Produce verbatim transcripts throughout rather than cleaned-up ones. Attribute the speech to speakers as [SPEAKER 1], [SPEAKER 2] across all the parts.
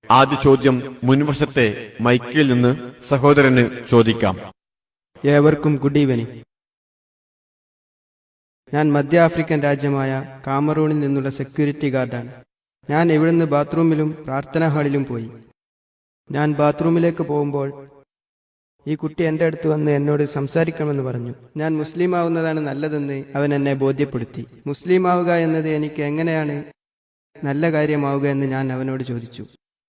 [SPEAKER 1] ആദ്യ ചോദ്യം മുൻവശത്തെ മൈക്കിൽ നിന്ന് സഹോദരന് ചോദിക്കാം.
[SPEAKER 2] ഏവർക്കും ഗുഡ് ഈവനിങ്. ഞാൻ മധ്യ ആഫ്രിക്കൻ രാജ്യമായ കാമറൂണിൽ നിന്നുള്ള സെക്യൂരിറ്റി ഗാർഡാണ്. ഞാൻ ഇവിടുന്ന് ബാത്റൂമിലും പ്രാർത്ഥനാ ഹാളിലും പോയി. ഞാൻ ബാത്റൂമിലേക്ക് പോകുമ്പോൾ ഈ കുട്ടി എൻ്റെ അടുത്ത് വന്ന് എന്നോട് സംസാരിക്കണമെന്ന് പറഞ്ഞു. ഞാൻ മുസ്ലിം ആവുന്നതാണ് നല്ലതെന്ന് അവൻ എന്നെ ബോധ്യപ്പെടുത്തി. മുസ്ലിം ആവുക എന്നത് എനിക്ക് എങ്ങനെയാണ് നല്ല കാര്യമാവുക എന്ന് ഞാൻ അവനോട് ചോദിച്ചു.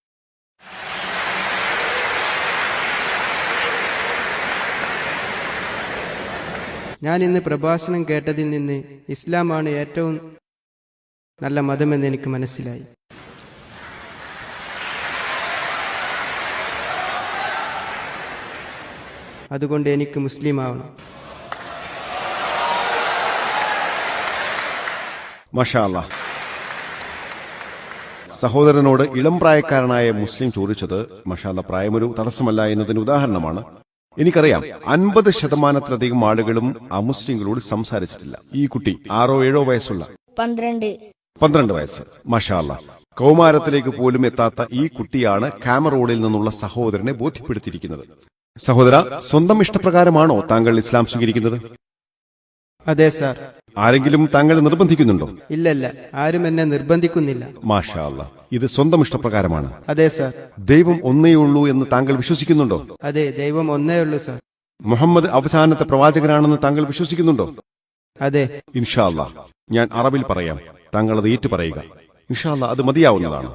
[SPEAKER 2] ഞാൻ ഇന്ന് പ്രഭാഷണം കേട്ടതിൽ നിന്ന് ഇസ്ലാമാണ് ഏറ്റവും നല്ല മതമെന്ന് എനിക്ക് മനസ്സിലായി. അതുകൊണ്ട് എനിക്ക് മുസ്ലിം ആവണം.
[SPEAKER 3] മാഷാ അല്ലാഹ്. സഹോദരനോട് ഇളം പ്രായക്കാരനായ മുസ്ലിം ചോദിച്ചത് മാഷാ അല്ലാഹ് പ്രായമൊരു തടസ്സമല്ല എന്നതിന് ഉദാഹരണമാണ്. എനിക്കറിയാം അൻപത് ശതമാനത്തിലധികം ആളുകളും അമുസ്ലിങ്ങളോട് സംസാരിച്ചിട്ടില്ല. ഈ കുട്ടി ആറോ ഏഴോ വയസ്സുള്ള
[SPEAKER 4] പന്ത്രണ്ട്
[SPEAKER 3] പന്ത്രണ്ട് വയസ്സ്. മാഷാ അല്ലാഹ്. കൗമാരത്തിലേക്ക് പോലും എത്താത്ത ഈ കുട്ടിയാണ് കാമറൂണിൽ നിന്നുള്ള സഹോദരനെ ബോധ്യപ്പെടുത്തിയിരിക്കുന്നത്. സഹോദര, സ്വന്തം ഇഷ്ടപ്രകാരമാണോ താങ്കൾ ഇസ്ലാം സ്വീകരിക്കുന്നത്?
[SPEAKER 2] അതെ സാർ.
[SPEAKER 3] ആരെങ്കിലും താങ്കളെ നിർബന്ധിക്കുന്നുണ്ടോ?
[SPEAKER 2] ഇല്ലല്ല, ആരും എന്നെ നിർബന്ധിക്കുന്നില്ല.
[SPEAKER 3] മാഷാ അല്ലാഹ്. ഇത് സ്വന്തം ഇഷ്ടപ്രകാരമാണ്.
[SPEAKER 2] അതെ സാർ.
[SPEAKER 3] ദൈവം ഒന്നേ ഉള്ളൂ എന്ന് താങ്കൾ വിശ്വസിക്കുന്നുണ്ടോ?
[SPEAKER 2] അതെ, ദൈവം ഒന്നേ ഉള്ളൂ സാർ.
[SPEAKER 3] മുഹമ്മദ് അവസാനത്തെ പ്രവാചകനാണെന്ന് താങ്കൾ വിശ്വസിക്കുന്നുണ്ടോ?
[SPEAKER 2] അതെ.
[SPEAKER 3] ഇൻഷാ അല്ലാഹ് ഞാൻ അറബിൽ പറയാം, താങ്കൾ അത് ഏറ്റു പറയുക. ഇൻഷാ അല്ലാഹ് അത് മതിയാവുന്നതാണ്.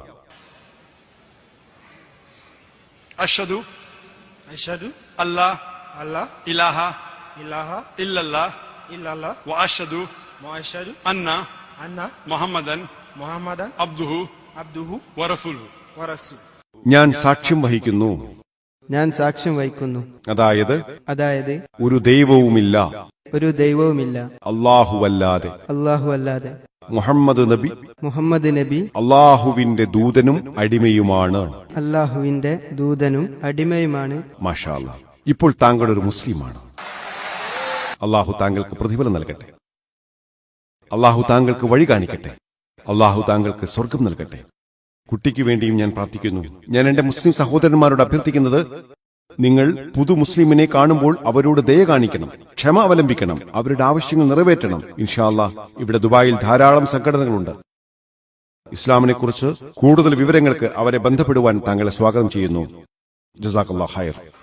[SPEAKER 5] അഷ്ഹദു
[SPEAKER 6] അഷ്ഹദു
[SPEAKER 5] അല്ലാ
[SPEAKER 6] അല്ലാ
[SPEAKER 5] ഇലാഹ
[SPEAKER 6] ഇലാഹ
[SPEAKER 5] ഇല്ലല്ലാഹ്
[SPEAKER 6] ഇല്ലല്ലാഹ്
[SPEAKER 5] വഅഷ്ഹദു
[SPEAKER 6] വഅഷ്ഹദു
[SPEAKER 5] അന്ന
[SPEAKER 6] അന്ന
[SPEAKER 5] മുഹമ്മദൻ
[SPEAKER 6] മുഹമ്മദൻ
[SPEAKER 5] അബ്ദുഹു
[SPEAKER 6] അബ്ദുഹു
[SPEAKER 5] വറസൂലുഹു.
[SPEAKER 6] വറസൂൽ.
[SPEAKER 3] ഞാൻ സാക്ഷ്യം വഹിക്കുന്നു.
[SPEAKER 2] ഞാൻ സാക്ഷ്യം വഹിക്കുന്നു.
[SPEAKER 3] അതായത്
[SPEAKER 2] അതായത്
[SPEAKER 3] ഒരു ദൈവവുമില്ല
[SPEAKER 2] ഒരു ദൈവവുമില്ല
[SPEAKER 3] അല്ലാഹുവല്ലാതെ,
[SPEAKER 2] അല്ലാഹു അല്ലാതെ,
[SPEAKER 3] മുഹമ്മദ് നബി
[SPEAKER 2] മുഹമ്മദ് നബി
[SPEAKER 3] അള്ളാഹുവിന്റെ ദൂതനും അടിമയുമാണ്.
[SPEAKER 2] അല്ലാഹുവിന്റെ ദൂതനും അടിമയുമാണ്.
[SPEAKER 3] മാഷാ അല്ലാഹ്. ഇപ്പോൾ താങ്കൾ ഒരു മുസ്ലിമാണ്. അള്ളാഹു താങ്കൾക്ക് പ്രതിഫലം നൽകട്ടെ. അള്ളാഹു താങ്കൾക്ക് വഴി കാണിക്കട്ടെ. അള്ളാഹു താങ്കൾക്ക് സ്വർഗം നൽകട്ടെ. കുട്ടിക്ക് വേണ്ടിയും ഞാൻ പ്രാർത്ഥിക്കുന്നു. ഞാൻ എന്റെ മുസ്ലിം സഹോദരന്മാരോട് അഭ്യർത്ഥിക്കുന്നത്, നിങ്ങൾ പുതു മുസ്ലിമിനെ കാണുമ്പോൾ അവരോട് ദയ കാണിക്കണം, ക്ഷമ അവലംബിക്കണം, അവരുടെ ആവശ്യങ്ങൾ നിറവേറ്റണം. ഇൻഷാ അല്ലാഹ് ഇവിടെ ദുബായിൽ ധാരാളം സംഘടനകളുണ്ട്. ഇസ്ലാമിനെ കുറിച്ച് കൂടുതൽ വിവരങ്ങൾക്ക് അവരെ ബന്ധപ്പെടുവാൻ താങ്കളെ സ്വാഗതം ചെയ്യുന്നു. ജസാക്കല്ലാഹ് ഖൈർ.